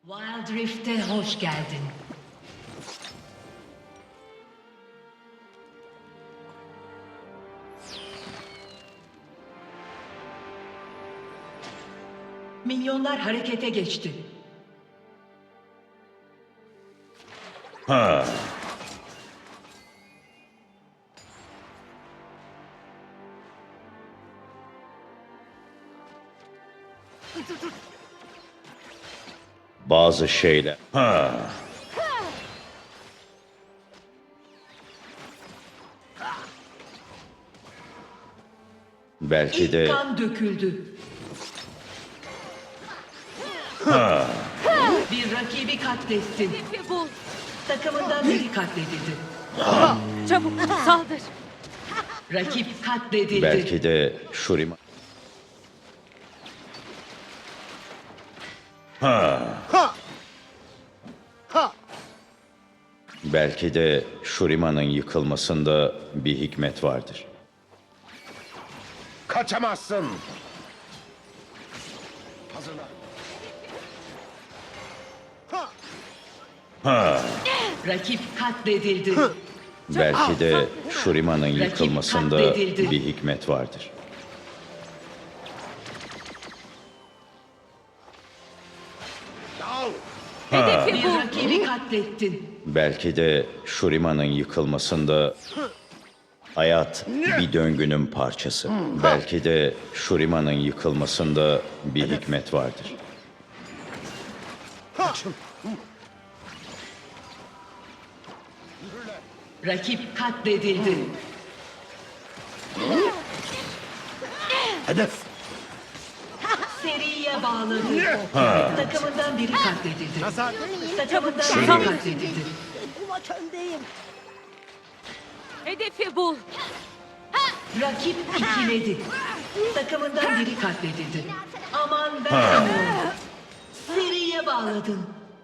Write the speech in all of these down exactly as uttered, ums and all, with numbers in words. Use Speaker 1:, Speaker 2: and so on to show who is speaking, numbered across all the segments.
Speaker 1: Wild Rift'e hoş geldin. Minyonlar harekete geçti.
Speaker 2: Ha. Bazı şeyler. Ha. Belki de
Speaker 1: İlk kan döküldü.
Speaker 2: ha.
Speaker 1: Bir rakibi katlettin.
Speaker 3: Hedefi bul.
Speaker 1: Takımından biri katledildi.
Speaker 3: Çabuk saldır.
Speaker 1: Rakip katledildi.
Speaker 2: Belki de Shurima. Ha.
Speaker 4: Ha! Ha!
Speaker 2: Belki de Shurima'nın yıkılmasında bir hikmet vardır.
Speaker 4: Kaçamazsın. Hazırla. Ha!
Speaker 2: Ha.
Speaker 1: Rakip katledildi.
Speaker 2: Belki de Shurima'nın yıkılmasında
Speaker 1: katledildi.
Speaker 2: bir hikmet vardır.
Speaker 4: Dal.
Speaker 3: Hedefi
Speaker 1: Bir
Speaker 3: bul.
Speaker 1: rakibi katlettin.
Speaker 2: Belki de Shurima'nın yıkılmasında hayat bir döngünün parçası. Belki de Shurima'nın yıkılmasında bir hikmet vardır.
Speaker 4: Kaçın.
Speaker 1: Rakip katledildi.
Speaker 4: Hedef.
Speaker 1: Seriye bağladı. Takımından biri katledildi.
Speaker 4: Nazar.
Speaker 1: Takımından
Speaker 3: Çabuk,
Speaker 1: biri
Speaker 3: çabuk.
Speaker 1: katledildi.
Speaker 5: Bu maç öndeyim.
Speaker 3: Hedefi bul.
Speaker 1: Rakip ikiledi. Takımından biri katledildi. Aman vermiyor. Seriye bağladın.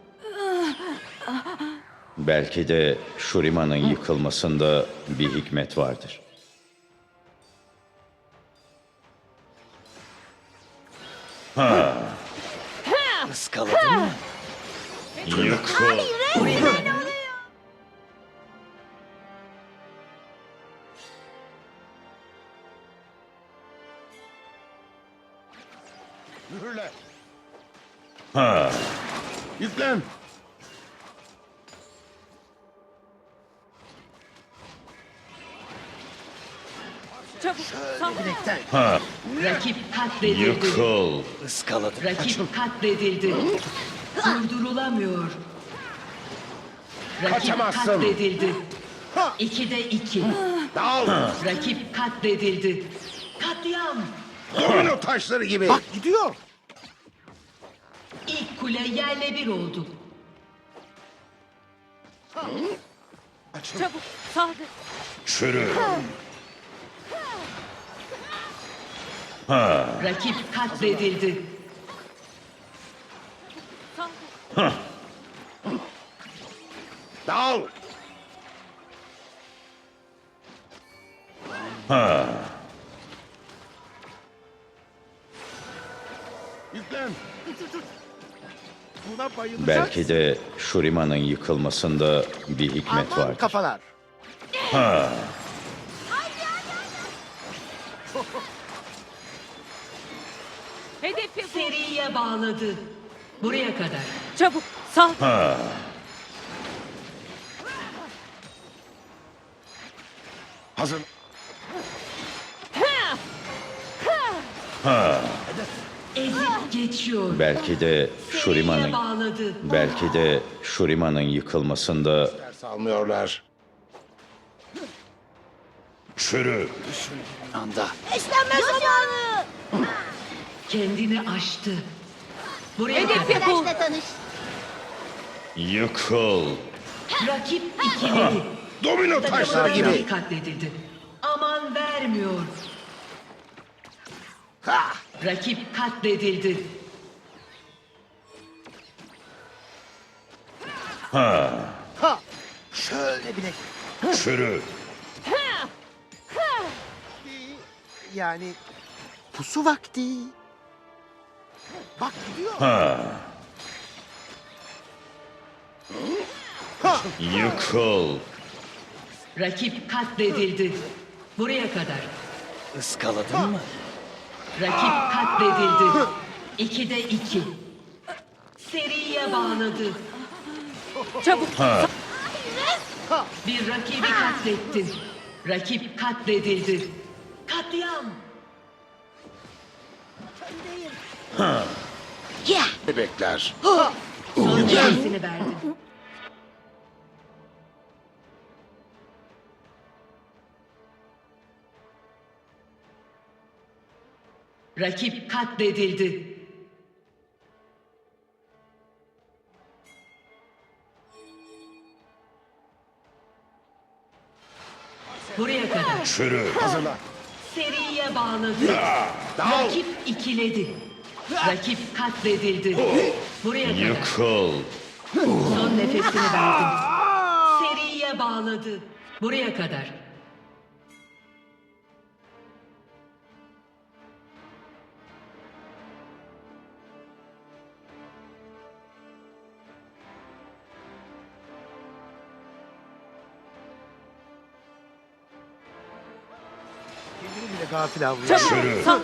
Speaker 2: Belki de Shurima'nın yıkılmasında bir hikmet vardır.
Speaker 4: Iskaladın mı?
Speaker 2: Yıkıl.
Speaker 4: Mühürle.
Speaker 2: Ha.
Speaker 4: Yüklen.
Speaker 3: Çabuk saldır.
Speaker 4: Bilekten.
Speaker 1: Rakip katledildi.
Speaker 2: Yıkıl.
Speaker 4: Iskaladım.
Speaker 1: Rakip katledildi. Durdurulamıyor. Rakip
Speaker 4: Kaçamazsın.
Speaker 1: katledildi.
Speaker 4: Ha!
Speaker 1: İkide iki.
Speaker 4: Dal.
Speaker 1: Rakip katledildi. Katliam.
Speaker 4: Domino taşları gibi. Bak gidiyor.
Speaker 1: İlk kule yerle bir oldu.
Speaker 3: Çabuk saldır.
Speaker 2: Çürü.
Speaker 1: Rakip katledildi.
Speaker 3: Saldır.
Speaker 4: Dal. Yüklen. Buna bayılacağız.
Speaker 2: Belki de Shurima'nın yıkılmasında bir hikmet
Speaker 4: Aman
Speaker 2: vardır.
Speaker 4: kafalar.
Speaker 3: Hedefi bul.
Speaker 1: Seriye bağladı. Buraya kadar.
Speaker 3: Çabuk saldır.
Speaker 4: Hazır.
Speaker 1: Ezip geçiyor.
Speaker 2: Belki de
Speaker 1: Seriye
Speaker 2: Shurima'nın
Speaker 1: bağladı.
Speaker 2: belki de Shurima'nın yıkılmasında
Speaker 4: Ders almıyorlar.
Speaker 2: çürü.
Speaker 4: Anda.
Speaker 5: Beslenme zamanı.
Speaker 1: Kendini aştı. Buraya
Speaker 3: Hedefi
Speaker 1: kadar.
Speaker 3: bul.
Speaker 5: Arkadaşla tanış.
Speaker 2: Yıkıl.
Speaker 1: Rakip ikiledi.
Speaker 4: Domino taşları
Speaker 1: Takımından
Speaker 4: gibi.
Speaker 1: biri katledildi. Aman vermiyor.
Speaker 4: Ha!
Speaker 1: Rakip katledildi.
Speaker 4: Ha! Şöyle bilek.
Speaker 2: Çürü.
Speaker 4: Yani pusu vakti. Bak gidiyor.
Speaker 2: Yıkıl.
Speaker 1: Rakip katledildi. Buraya kadar.
Speaker 4: Iskaladın mı?
Speaker 1: Rakip katledildi. İkide iki. Seriye bağladı.
Speaker 3: Çabuk.
Speaker 1: Bir rakibi katlettin. Rakip katledildi. Katliam.
Speaker 5: Öndeyim.
Speaker 4: Bebekler.
Speaker 1: Son nefesini verdin. Rakip katledildi. Buraya kadar.
Speaker 2: Çürü.
Speaker 4: Hazırlan.
Speaker 1: Seriye bağladı. Rakip ikiledi. Rakip katledildi. Buraya kadar.
Speaker 2: Yıkıl.
Speaker 1: Son nefesini verdin. Seriye bağladı. Buraya kadar.
Speaker 4: Kendini bile gafil avlıyor.
Speaker 2: Çürü.
Speaker 3: Saldır.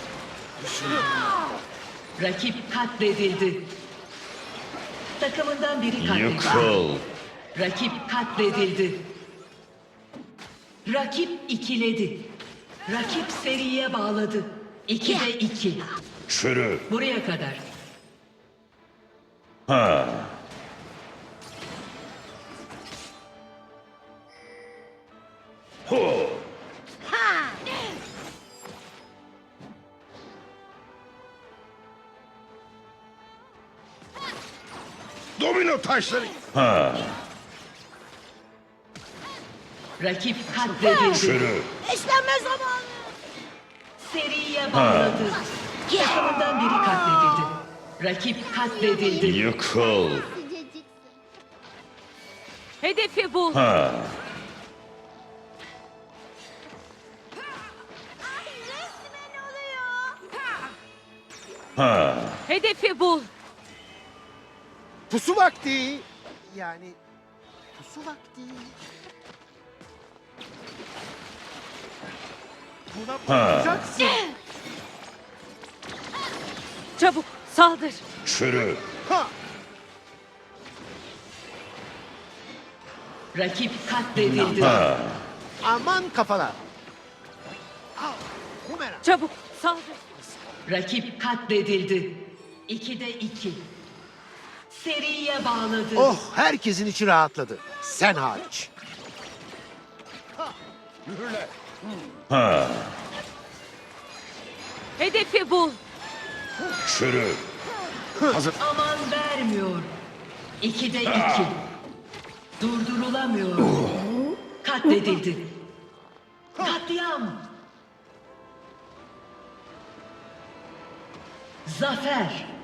Speaker 1: Rakip katledildi. Takımından biri katledildi.
Speaker 2: Yıkıl.
Speaker 1: Rakip katledildi. Rakip ikiledi. Rakip seriye bağladı. İkide iki.
Speaker 2: Çürü.
Speaker 1: Buraya kadar.
Speaker 2: Ha. Ho.
Speaker 4: Domino taşları.
Speaker 2: Ha.
Speaker 1: Rakip katledildi.
Speaker 2: Çürü.
Speaker 5: İşlenme zamanı.
Speaker 1: Seriye bağladı. Takımından biri katledildi. Rakip katledildi.
Speaker 2: Yıkıl.
Speaker 3: Hedefi bul.
Speaker 2: Ha.
Speaker 5: Ay resmen oluyor.
Speaker 2: Ha.
Speaker 3: Hedefi bul.
Speaker 4: Pusu vakti. Yani pusu vakti. Buna bakacaksın.
Speaker 3: Çabuk. Saldır.
Speaker 2: Çürü.
Speaker 4: Ha.
Speaker 1: Rakip katledildi.
Speaker 2: Ha.
Speaker 4: Aman kafana. Al. Bumerang.
Speaker 3: Çabuk. Saldır.
Speaker 1: Rakip katledildi. İkide iki. Seriye bağladı.
Speaker 4: Oh, herkesin içi rahatladı. Sen hariç.
Speaker 2: Ha.
Speaker 3: Hedefi bul.
Speaker 2: Çürü.
Speaker 1: Aman vermiyor. İkide iki. Durdurulamıyor. Katledildi. Katliam. Zafer.